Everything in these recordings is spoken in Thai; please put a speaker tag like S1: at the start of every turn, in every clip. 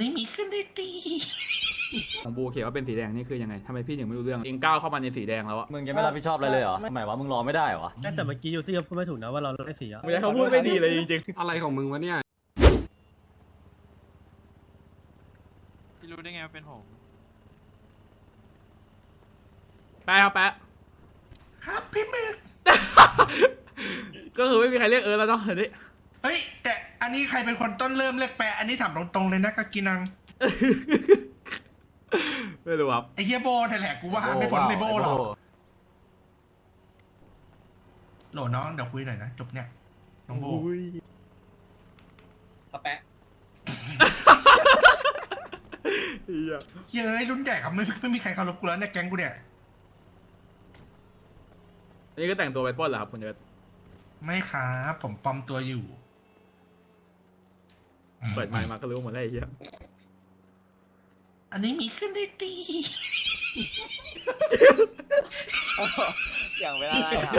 S1: นี้มีขึ้นได้ดี
S2: ของบูเขียนว่าเป็นสีแดงนี่คือยังไงทำไมพี่ถึงไม่รู้เรื่องเองก้าวเข้ามาในสีแดงแล้วอะ
S3: มึงจะไม่รับผิดชอบอะไรเลยเหรอหมายว่ามึงรอไม่ได้เหรอวะ
S4: แต่เมื่อกี้ยูซี่ก็พูดไม่ถูกนะว่าเราได้สีอะ
S2: ไม่ใช่เขาพูดไม่ดีเลยจริง
S5: อะไรของมึงวะเนี่ย
S6: พี่รู้ได้ไงว่าเป็นผม
S2: ๆแป๊ะครับแป๊ะ
S1: ครับพี่เมก
S2: ก็คือไม่มีใครเรียกแล้วเนาะเดี๋ยวนี้
S1: เฮ้ยแต่อันนี้ใครเป็นคนต้นเริ่มเรียกแปะอันนี้ถามตรงๆเลยนะกากินัง
S2: ไม่รู้ครับ
S1: ไอ้เฮียโบนั่นแหละกูว่าไม่พ้นในโบหรอกโหลน้องเดี๋ยวคุยหน่อยนะจบเนี่ยน้องโบ
S3: แปะ
S1: เฮ้ยรุ่นใหญ่ครับไม่มีใครเคารพกูแล้วเนี่ยแก๊งกูเนี่ย
S2: อันนี้ก็แต่งตัวไปปล้นเหรอครับคุณเอิร์ธ
S1: ไม่ครับผมปลอมตัวอยู่
S2: เปิดไมค์มาก็รู้หมดแล้วไอ้เหี้ย
S1: อันนี้มีขึ้นได้ดี
S3: อย่างเวลาอะไรอ่ะ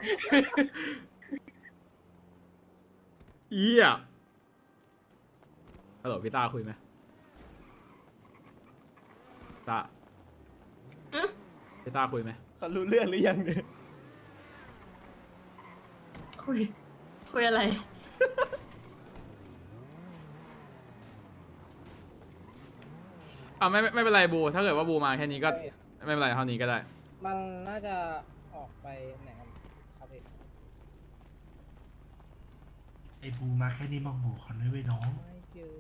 S2: เหี้ยฮัลโหลพี่ตาคุยไหมตาพี่ตาคุยไหม
S3: เขารู้เรื่องหรือยังเนี่ย
S7: คุยอะไร
S2: ไม่เป็นไรบูถ้าเกิดว่าบูมาแค่นี้ก็ไม่เป็นไรเท่านี้ก็ได้
S8: มันน่าจะออกไปไหนกันครับพี่
S1: ไอ้ภูมาแค่นี้มาบอกเขาเลยเว้ยน้อง
S8: ไม่เจอ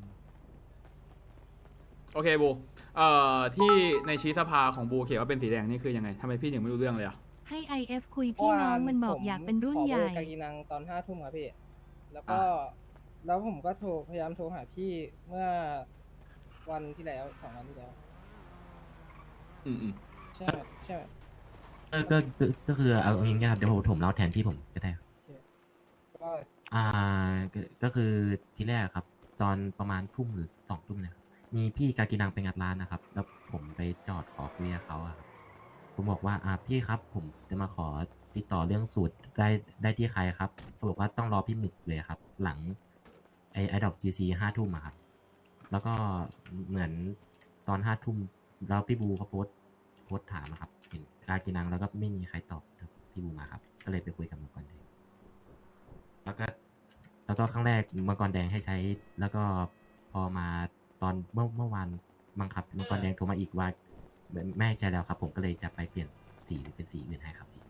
S2: โอเคบูที่ในชี้สภาของบูเขียนว่าเป็นสีแดงนี่คือยังไงทำไมพี่ถึงไม่รู้เรื่องเลยอะ
S9: ให้ IF คุยพี่น้องมันบอกอยากเป็นรุ่นใหญ่
S8: ขอเบอร์กากีนังตอน5 ทุ่มครับพี่ แล้วก็แล้วผมก็พยายามโทรหาพี่เมื่อวันที่แล้ว2 วันที่แล้ว
S2: อืม
S8: ใช่ใช่
S10: ก็คือเอาอย่างงี้ครับเดี๋ยวผมเล่าแทนพี่ผมก็ได้
S8: ก็
S10: อ่าก็คือทีแรกครับ ตอนประมาณทุ่มหรือ2 ทุ่มเนี่ยครับมีพี่กากินังไปงัดร้านนะครับ แล้วผมไปจอดขอคุยกับเขาอะครับผมบอกว่าพี่ครับ ผมจะมาขอติดต่อเรื่องสูตรได้ที่ใครครับเขาบอกว่าต้องรอพี่หมึกเลยครับ หลังไอดอกGC5 ทุ่มอะครับ แล้วก็เหมือนตอน5 ทุ่มแล้วพี่บูเขาโพสต์ถามอะครับเห็นกากินังแล้วก็ไม่มีใครตอบพี่บูมาครับ ก็เลยไปคุยกับมังกรแดงแล้วก็ครั้งแรกมังกรแดงให้ใช้ แล้วก็พอมาตอนเมื่อวานบังคับมังกรแดงโทรมาอีกว่าไม่ให้ใช้แล้วครับ ผมก็เลยจะไปเปลี่ยนสีหรือเป็นสีอื่นให้ครับพี่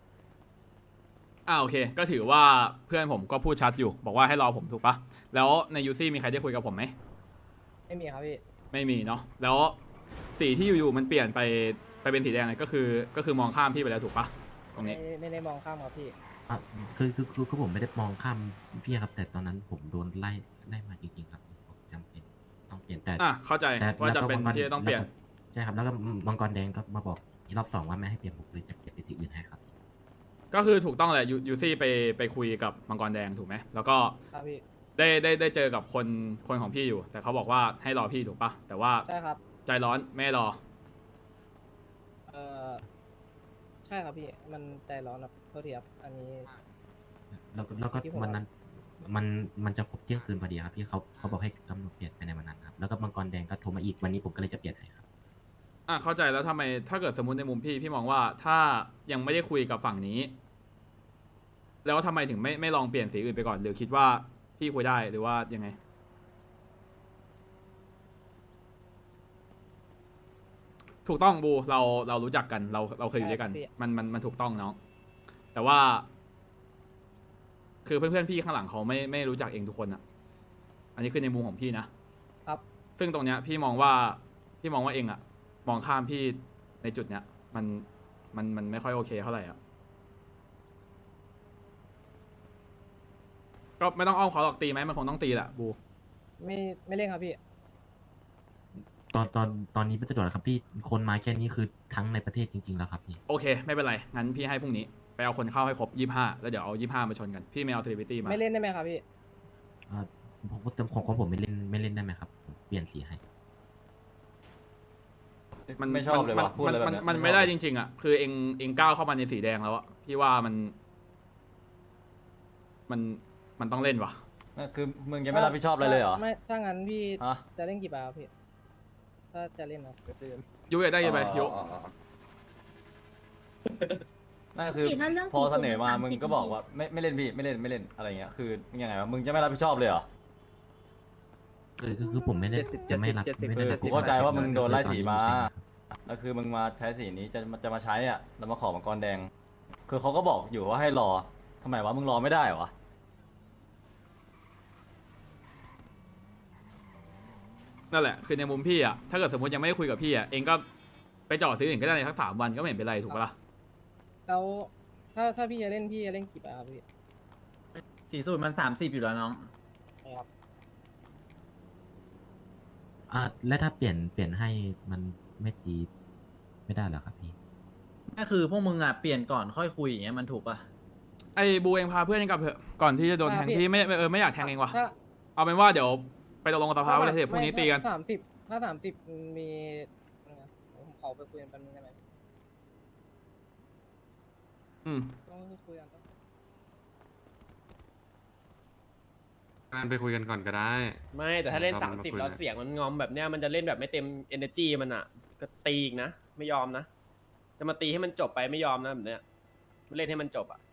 S2: โอเค ก็ถือว่าเพื่อนผมก็พูดชัดอยู่ บอกว่าให้รอผมถูกปะแล้วในยูซี่มีใครได้คุยกับผมไหม
S8: ไม่มีครับพี่
S2: ไม่มีเนาะแล้วสีที่อยู่ๆมันเปลี่ยนไปเป็นสีแดงเลยก็คือมองข้ามพี่ไปแล้วถูกปะตรงนี้
S8: ไม่ได้มองข้ามครับพี่
S10: คือผมไม่ได้มองข้ามพี่ครับ แต่ตอนนั้นผมโดนไล่มาจริงๆครับผมจำเป็นต้องเปลี่ยนแต่
S2: เข้าใจว่าจะเป็นที่จะต้องเปลี่ยน
S10: ใช่ครับแล้วก็มังกรแดงก็มาบอกอีกรอบ 2ว่าไม่ให้เปลี่ยนผมเลยจะเปลี่ยนเป็นสีอื่นให้ครับ
S2: ก็คือถูกต้องแหละยูซี่ไปคุยกับมังกรแดงถูกไหมแล้วก็
S8: ครับพี่
S2: ได้เจอกับคนของพี่อยู่ แต่เขาบอกว่าให้รอพี่ถูกปะแต่ว่า
S8: ใช่ครับ
S2: ใจร้อนไม่ให้รอ
S8: ใช่ครับพี่ มันใจร้อนครับโทษทีครับ อันนี้
S10: แล้วก็
S8: ที่ผม
S10: วันนั้นมันจะครบเที่ยงคืนพอดีครับพี่เขาบอกให้กำหนดเปลี่ยนภายในวันนั้นครับแล้วก็มังกรแดงก็โทรมาอีกวันนี้ผมก็เลยจะเปลี่ยนให้ครับ
S2: เข้าใจแล้วทำไมถ้าเกิดสมมติในมุมพี่มองว่าถ้ายังไม่ได้คุยกับฝั่งนี้ แล้วทำไมถึงไม่ลองเปลี่ยนสีอื่นไปก่อนหรือคิดว่าพี่คุยได้หรือว่ายังไง ถูกต้องบูเรารู้จักกันเราเคยอยู่ด้วยกัน มันถูกต้องเนาะแต่ว่า คือเพื่อนๆพี่ข้างหลังเขาไม่รู้จักเองทุกคนอะอันนี้คือในมุมของพี่นะครับ ซึ่งตรงเนี้ยพี่มองว่าเองอะมองข้ามพี่ในจุดเนี้ยมันไม่ค่อยโอเคเท่าไหร่อะก็ไม่ต้องอ้อมขอหรอกตีไหมมันคงต้องตีแหละบู
S8: ไม่เล่นครับพี่
S10: ตอนนี้ไม่สะดวกแล้วครับพี่คนมาแค่นี้คือทั้งในประเทศจริงๆแล้วครับพี่
S2: โอเค ไม่เป็นไรงั้นพี่ให้พรุ่งนี้ไปเอาคนเข้าให้ครบ25แล้วเดี๋ยวเอา25มาชนกันพี่ไม่เอาเทเลวิตี้มา
S8: ไม่เล่นได้ไหมครับพี่
S10: ผมก็ของผมไม่เล่นได้ไหมครับผมเปลี่ยนสีให้
S3: ไม่ชอบเลยว่ะพูดอะไรแบบเนี้ย
S2: มันไม่ได้จริงๆอ่ะคือเองก้าวเข้ามาในสีแดงแล้วอะพี่ว่ามันต้องเล่นว่ะ
S3: นั่นคือมึงยังไม่รับผิดชอบอะไรเลยเหรอ
S8: ไม่ถ้างั้นพี่
S3: ฮะ
S8: จะเล่นกี่บาทครับพี่ ถ้าจะเล่นนะ
S2: ยุอยากได้ยังไงยุ
S3: นั่นคือ
S7: ถ้าเรื่อง
S3: พอเสนอมา
S7: 40
S3: มึงก็บอกว่าไม่เล่นพี่ไม่เล่นอะไรเงี้ยคือยังไงวะมึงจะไม่รับผิดชอบเลยเหรอ
S10: คือผมไม่ได้จะไม่รับไม่ได้รับ
S3: กูเข้าใจว่ามึงโดนไล่สีมา
S10: ใช่ครับ
S3: แล้วคือมึงมาใช้สีนี้จะมาใช้อ่ะแล้วมาขอมังกรแดง คือเขาก็บอกอยู่ว่าให้รอทำไมวะมึงรอไม่ได้เหรอวะ
S2: นั่นแหละคือในมุมพี่อะถ้าเกิดสมมติยังไม่ได้คุยกับพี่อะเองก็ไปจอดซื้ออื่นก็ได้ในสัก3 วันก็ไม่เห็นเป็นไรถูกปะล่ะ
S8: แล้วถ้าพี่จะเล่นพี่จะเล่นกี่บาทครับพี่
S5: สีสูตรมัน30อยู่แล้วน้อง
S8: ครับ
S10: แล้วถ้าเปลี่ยนให้มันไม่ตีไม่ได้เหรอครับพี่
S5: ก็คือพวกมึงอ่ะเปลี่ยนก่อนค่อยคุยอย่างเงี้ยมันถูกป่ะ
S2: ไอ้บูเองพาเพื่อนเองกลับเถอะก่อนที่จะโดนแทงพี่ไม่อยากแทงเองว่ะ
S8: ถ้า
S2: เอาเป็นว่าเดี๋ยวไปตกลงกับสภาไว้เลยเถอะพรุ่งนี้ตีกัน
S8: ถ้า30มีผมขอไปคุยกันแป๊บนึงได้ไหม ต้องคุยกันต้อง
S11: การไปคุยกันก่อนก็ได้
S12: ไม่แต่ถ้าเล่น
S11: เรามาคุย
S12: 30แล้วเสียงมันงอมแบบเนี้ยมันจะเล่นแบบไม่เต็ม energy มันอ่ะ ก็ตีอีกนะ ไม่ยอมนะ จะมาตีให้มันจบไปไม่ยอมนะแบบเนี้ยมันเล่นให้มันจบอ่ะ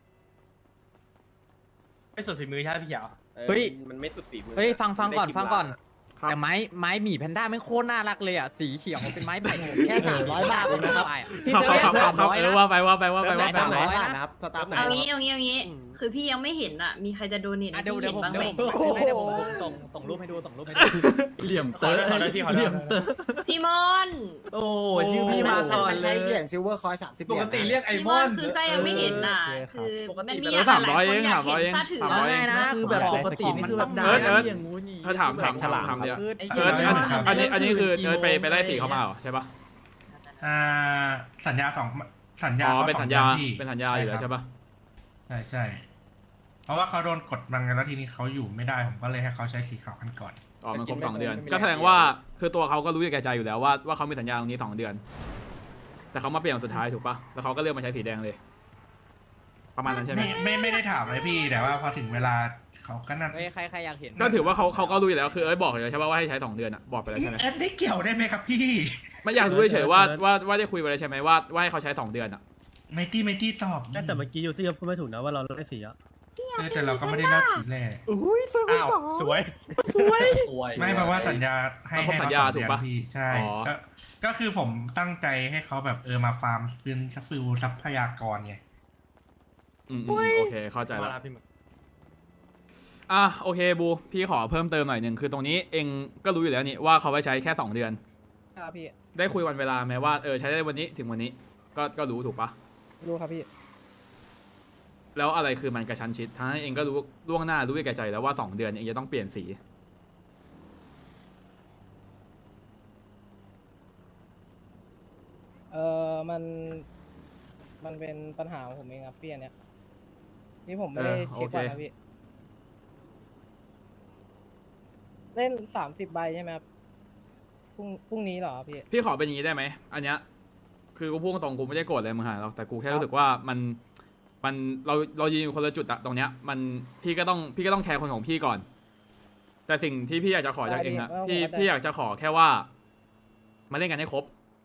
S4: ไม่สุดฝีมือใช่พี่เขียว
S5: เฮ้ย
S12: มันไม่สุดฝีมือ
S5: เฮ้ยฟังก่อน
S12: ได้
S5: ฟังก่อน
S2: ครับ
S5: แต่ไม้หมีแพนด้าไม่โคตรน่ารักเลยอ่ะสีเขียวเป็นไม้ไผ่
S8: แค่300 บาทเองนะครับ
S2: ครับว่าไปว่าไป
S5: 300นะครับสตาร์
S7: เอางี้เอางี้ คือพี่ยังไม่เห็นอ่ะ มีใครจะโดเนทให้
S5: เดี๋ยว
S7: พี่
S5: ผม
S7: เห็นบ้างไหม
S5: ส่งรูปให้ดูส่งรูปให้ดู
S3: เหลี่ยมเตอร์
S4: เหลี่ยมเตอร์
S7: พี่มอน
S5: โอ้ชื่อพี่มาก่อนเลย
S8: เหรียญซิลเวอร์คอย30
S4: ปกติเรียกไอ
S7: พี่
S4: ม
S7: ม
S4: อ
S7: อน
S4: น
S7: คือไส้ยังไม่เห็นอ่ะ คือมันมี
S2: 300
S7: หลายคนอยาก
S2: 300
S7: เห็นซาถือ
S2: 300
S7: อะ
S5: ง่ายนะคือแบบปกตินี่คือแบบด่า
S2: เอิร์ธ
S5: อย่างงู้นอย่างงี้
S2: เธอถามเดียว
S5: คือ
S2: เอิร์ธอันนี้คือเอิร์ธไปไล่สีเขามาเหรอใช่ปะ
S1: สัญญาสัญญา
S2: อ๋อ
S1: ขา
S2: เป็น
S1: ส
S2: สั
S1: อง
S2: ญญา
S1: ดือนพี่
S2: เป็นสัญญาอยู่แล้วใช่ปะ
S1: ใช่เพราะว่าเขาโดนกดบังกันแล้วทีนี้เขาอยู่ไม่ได้ผมก็เลยให้เขาใช้สีขาวกันก่อน
S2: อ๋อมันครบ2 เดือน ก็แสดงว่าคือตัวเขาก็รู้อยู่แก่ใจอยู่แล้วว่าเขามีสัญญาตรงนี้2 เดือน แต่เขามาเปลี่ยนวันสุดท้ายถูกปะแล้วเขาก็เลือกมาใช้สีแดงเลย ประมาณนั้นใช่ไหม
S1: ไม่ได้ถามเลยพี่ แต่ว่าพอถึงเวลาเขาก็นั่น
S5: เฮ้ยใครอยากเห็น
S2: ก็ถือว่าเขาก็รู้อยู่แล้วคือเอ้ยบอกเลยใช่ปะว่าให้ใช้ 2 เดือนอะบอกไปแล้วใช่ไหม
S1: แอดได้เกี่ยวได้ไหมครับพี่
S2: ไม่อยากรู้เฉยๆว่าได้คุยไปแล้วใช่ไหมว่าให้เขาใช้2 เดือนอะ
S1: ไม่ตี้ตอบ
S4: แต่เมื่อกี้ยูซี่ก็พูดไม่ถูกนะว่าเราไล่สีอ่ะ
S1: แต่เราก็ไม่ได้เล่าสีแรก
S4: อ้าวสวย
S1: ไม่เพราะว่าสัญญาให้
S2: มันครบ
S1: ให้
S2: สั
S1: เขา
S2: ญญา
S1: 2
S2: ถู
S1: เดื
S2: ก
S1: อน
S2: ปะ
S1: พี่ใช่
S2: อ๋อ
S1: ก็คือผมตั้งใจให้เขาแบบมาฟาร์มเป็นฟิลทรัพยากรไง
S2: โอเคเข้าใจแล้วโอเคบูพี่ขอเพิ่มเติมหน่อยหนึ่งคือตรงนี้เองก็รู้อยู่แล้วนี่ว่าเขาไว้ใช้แค่2 เดือน
S8: ครับพี่
S2: ได้คุยวันเวลาไหมว่าใช้ได้วันนี้ถึงวันนี้ก็รู้ถูกปะ
S8: รู้ครับพี่
S2: แล้วอะไรคือมันกระชั้นชิดทั้งนั้นเองก็รู้ล่วงหน้ารู้อยู่แก่ใจแล้วว่า2 เดือนเองจะต้องเปลี่ยนสี
S8: มันเป็นปัญหาของผมเองครับพี่อันเนี้ยนี่ผมไม่ได้เช็คก่อนนะพี่ เล่น30 ใบใช่ไหมครับพรุ่งนี้เหรอพี่
S2: พี่ขอเป็นอย่างนี้ได้ไหมอันเนี้ยคือกูพูดตรงๆกูไม่ได้โกรธอะไรมึงหรอกแต่กูแค่รู้สึกว่ามันเรายืนอยู่คนละจุดอะตรงเนี้ยมันพี่ก็ต้องแคร์คนของพี่ก่อน แต่สิ่งที่พี่อยากจะขอจากเองอะพี่อยากจะขอแค่ว่ามาเล่นกันให้ครบ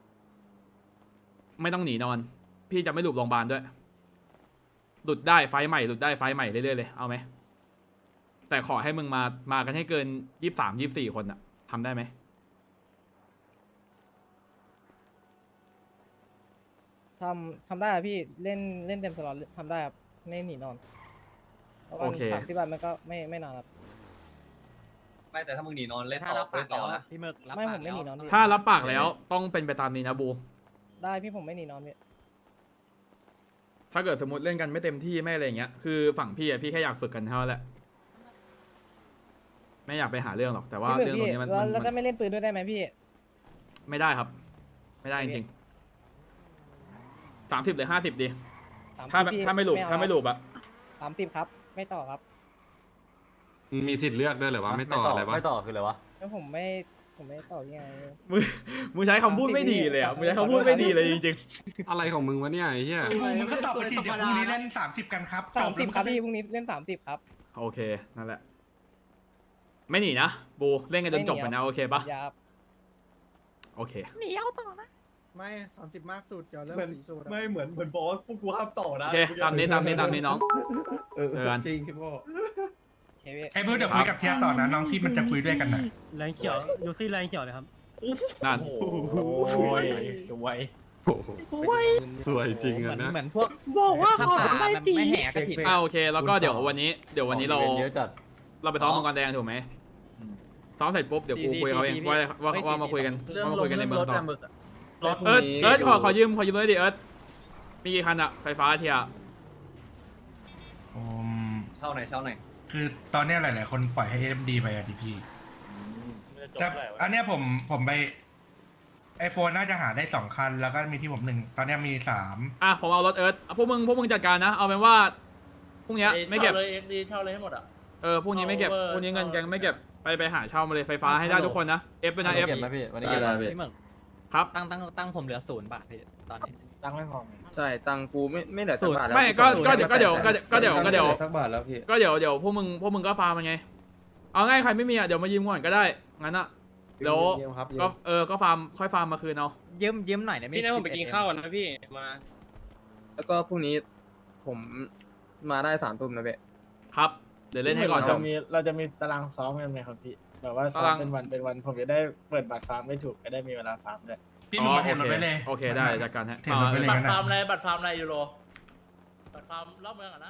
S2: ไม่ต้องหนีนอน พี่จะไม่หลุดโรงพยาบาลด้วยหลุดได้ไฟใหม่หลุดได้ไฟใหม่เรื่อยๆเลยเอาไหมแต่ขอให้มึงมากันให้เกิน23-24 คนอะทำได้ไหม
S8: ทำได้ครับพี่เล่นเต็มสล็อตทำได้ครับไม่หนีนอนเพราะว่า
S2: โอเค
S8: 30 บาทมันก็ไม่นานครับ
S3: ไม่แต่ถ้ามึงหนีนอนเล่น
S5: ถ้ารับปากแล้วอะพี่หมึกรับ
S8: ไม่
S5: ปาก
S8: ผมไม่
S5: แล้ว
S8: หนีนอนพี่
S2: ถ้ารับปากแล้วต้องเป็นไปตามนี้นะบู
S8: ได้พี่ผมไม่หนีนอนพี่
S2: ถ้าเกิดสมมติเล่นกันไม่เต็มที่ไม่อะไรอย่างเงี้ยคือฝั่งพี่อะพี่แค่อยากฝึกกันเท่านั้นแหละไม่อยากไปหาเรื่องหรอกแต่ว่า
S8: พี่
S2: เรื่องตรงนี้มัน
S8: แล้วจะไม่เล่นปืนด้วยได้ไหมพี่
S2: ไม่ได้ครับ ไม่ได้จริงๆ30 หรือ 50ดีถ้า
S8: พี่
S2: ไม่หลุด
S8: เอ
S2: ถ้าไม่หลุดอะ
S8: 30ครับ ไม่ต่อครับ
S11: มีสิทธิ์เลือกด้วยเหรอวะไม่ต่ออะไรวะ
S3: ไม่ต่อคืออะไรวะ
S8: แล้วผมไม่ต่อยังไง
S2: มึงใช้คำพูดไม่ดีเลยอะมึงใช้คำพูดไม่ดีเลยจริง
S11: อะไรของมึงวะเนี่ยไอ้เหี้ย
S1: มึงก็ตอบไปทีเดี๋ยวพรุ่งนี้เล่น30 กันครับจบแล้ว
S8: 30ครับพี่พรุ่งนี้เล่น30ครับ
S2: ๆโอเคนั่นแหละไม่หนีนะบูเล่นกันจนจบไปนะโอเคปะ
S8: ยับ
S2: โอเค
S4: ไม่30 มากสุดเดี๋ยวเริ่มสีสูตร
S13: ไม่เหมือนบอกว่าพวกกูห้ามต่อนะ
S2: โอเคตามนี้น้องเจอกัน
S13: จริงพี่พ่อ
S8: เคพี่
S1: ไอ้บูเดี๋ยวคุยกับเทียต่อนะน้องพี่มันจะคุยด้วยกันหน่อย
S4: แรงเขียวยูซี่แรงเขียวเลยครับ
S2: นั่น
S4: สวยสวย
S11: สวยจริงอะนะ
S5: เหมือนพวก
S4: บอกว่าขอ
S5: ได้สีไม่แหกกระถิ่น
S2: โอเค แล้วก็เดี๋ยววันนี้เรา
S3: เยอะจัด
S2: เราไปซ้อมมังกรแดงถูกไหมซ้อมเสร็จปุ๊บเดี๋ยวกูคุยเขาเองว่ามาคุยกัน
S5: เรื่อง
S2: ว่ามา
S5: ล
S2: คุ
S5: ง
S2: ยกันใน
S5: เรื่อง
S2: เมือง
S5: รถ
S2: ต่อ
S5: อะมึกอะ
S2: เอิร์ธขอยืมเลยดิเอิร์ธมีกี่คันอะไฟฟ้าเทีย
S13: เช่าไหนเช่าไหน
S1: คือตอนเนี้ยหลาย ๆ คนปล่อยให้ AMD ไปอะดิพี่แต่อันเนี้ยผมไปไอโฟนน่าจะหาได้2 คันแล้วก็มีที่ผม1ตอนเนี้ยมี3
S2: อ่ะผมเอารถเอิร์ธพวกมึงจัดการนะเอาเป็นว่าพรุ่งนี้ไม่เก็บ
S12: เลย XD เช่าเลยให้หมดอ่ะ
S2: พรุ่งนี้ไม่เก็บพรุ่งนี้เงินแกงไม่เก็บไปหาเช่ามาเลยไฟฟ้าให้ได้ทุกคนนะเอฟเป็นนะเอฟ
S3: เก็บไหมพี่วันนี้เก็บไหม
S5: พี่หมึก
S2: ครับ
S5: ตั้งผมเหลือ0 บาทพี่ตอนนี้
S8: ตั้งไม่พอ
S12: ใช่ตังกูไม่เหลือสักบาทแล้ว
S2: ไม่ก็เดี๋ยว
S13: สักบาทแล้วพี่
S2: ก็เดี๋ยวพวกมึงก็ฟาร์มมันไงเอาง่ายใครไม่มีอ่ะเดี๋ยวมายืมก่อนก็ได้งั้นอ่ะเดี๋ยวก็ก็ฟาร์มค่อยฟาร์มมาคืนเอา
S5: ยืมหน่อยนะ
S12: พี่นะผมไปกินข้าวก่อนนะพี่มา แล้วก็พรุ่งนี้ผมมาได้3 ทุ่มนะเบ๊
S2: ครับเดี๋ยวเล่นให้ก่อนจบ
S8: เราจะมีตารางซ้อมกันไหมครับพี่แบบว่าซ้อมเป็นวันผมจะได้เปิดบัตรฟาร์มไม่ถูกจะได้มีเวลาฟาร์มด้วย
S1: พี่หนุ่มมาเทรนรถไว้เลย
S2: โอเคได้จัดการให้
S1: เทรนรถไว้เลย
S12: บัต
S1: กัน
S12: ร
S1: นะ
S12: ฟาร์มอะไรยูโรบัตรฟาร์มรอบเมืองอ่ะนะ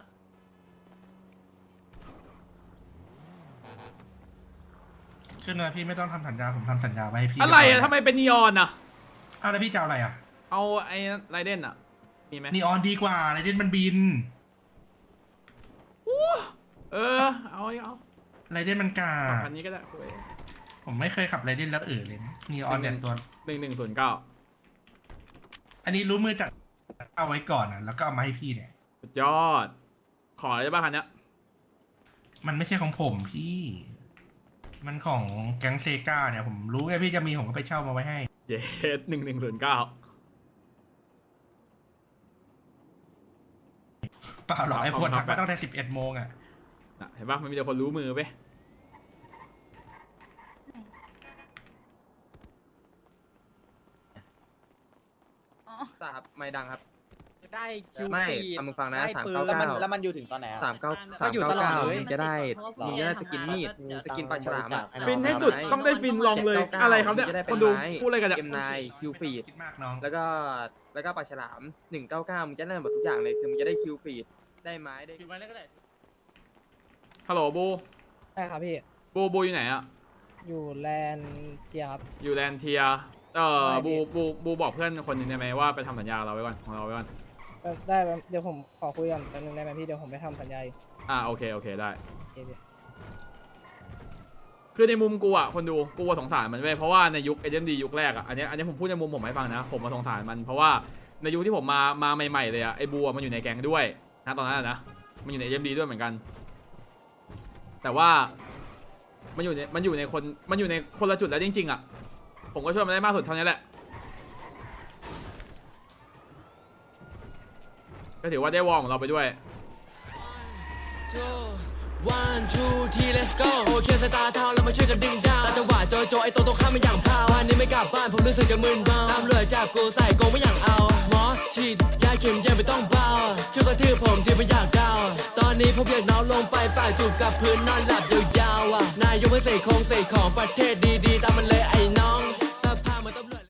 S1: ขึ้นนะพี่ไม่ต้องทำสัญญาผมทำสัญญาไว้ให้พี่
S2: อะไรอ่ะทำไมเป็นนีออนอ่ะ
S1: เอาแล้วพี่จะเอาอะไรอ่ะ
S2: เอาไอ้ไรเดนอ่ะมีไหม
S1: นีออนดีกว่าไรเดนมันบิน
S2: เอา
S1: ไรเดนมันกา
S2: คันนี้ก็ได้โอ้ย
S1: ผมไม่เคยขับไรเดนแล้วเลยนะนีออนเนี่ยตัว
S2: 1109
S1: อันนี้รู้มือจัดเอาไว้ก่อนนะแล้วก็เอามาให้พี่เนี่ย
S2: สุดยอดขออะไรได้บ้างคันเนี้ย
S1: มันไม่ใช่ของผมพี่ มันของแก๊งเซกาเนี่ยผมรู้ไงพี่จะมีผมก็ไปเช่ามาไว้ให้
S2: เยส1109
S1: เปล่าหรอกไอโฟน
S2: ครั
S1: ทั
S2: บ
S1: กมาตั้งแต่11 โมงอ่ะ
S2: น่ะเห็นปะมันมีแต่คนรู้มือไป
S12: ครับไม่ดังครับ
S5: ได้คิว
S12: ไม่
S5: ปี
S12: เอามึงฟังนะ
S5: ได้ปืน
S12: 399
S5: แล้วมันอยู่ถึงตอนไหนอะ
S12: 399
S5: ก็อยู่ตลอดเลย
S12: จะได้มีจะได้สกินมีดสกินปลาฉลามอะ
S2: ฟินให้สุดต้องได้ฟินลองเลยอะไรครับเนี่ย
S12: จะได้
S2: ค
S12: เป็น
S2: นดู
S12: ไม้
S2: พูดอะไรกันเนี่ย
S12: เกมนายคิวฟีด
S1: คิดมากน้อง
S12: แล้วก็ปลาฉลาม199มึงจะได้หมดทุกอย่างเลยคือมึงจะได้คิวฟีดได้ไม้ได้
S2: ฮัลโหลบู
S8: ใช่ครับพี่
S2: บูอยู่ไหนอะ
S8: อยู่แลนด์เทียครับ
S2: อยู่แลนเทียบูบอกเพื่อนคนหนึงได้ไหมว่าไปทำสัญญาเราไว้ก่อนของเราไว้ก่อน
S8: ได้เดี๋ยวผมขอคุยกันแป๊บนึงได้ไหมพี่เดี๋ยวผมไปทำสัญญาอีก
S2: โอเคได้
S8: โอเคพี่
S2: คือในมุมกูอ่ะคนดูกูสงสารมันเว้ยเพราะว่าในยุค SMD ยุคแรกอ่ะอันนี้ผมพูดในมุมผมให้ฟังนะผมมาสงสารมันเพราะว่าในยุคที่ผมมาใหม่ๆเลยอ่ะไอ้บัวมันอยู่ในแก๊งด้วยนะตอนนั้นนะมันอยู่ใน SMD ด้วยเหมือนกัน แต่ว่ามันอยู่ในคนละจุดแล้วจริงๆอ่ะผมก็ช่วยมันได้มากสุดเท่านี้แหละก็ถือว่าได้วอร์มของเราไปด้วย
S14: 1 2 3 let's go โอเคสตาร์ทาวเรามาช่วยกันดึงดาวตาจังหวะโจไอตัวข้ามไม่อย่างพาววันนี้ไม่กลับบ้านผมรู้สึกจะมึนเมาตามเรือจับกูใส่กงไม่อย่างเอาหมอฉีดยาเข็มยังไม่ต้องเบาช่วยกระทืบผมที่ไม่อยากดาวตอนนี้ผมอยากนอนลงไปป่าจูบกับพื้นนอนหลับยาวๆนายกไม่ใส่ของประเทศดีๆตามมันเลยไอ้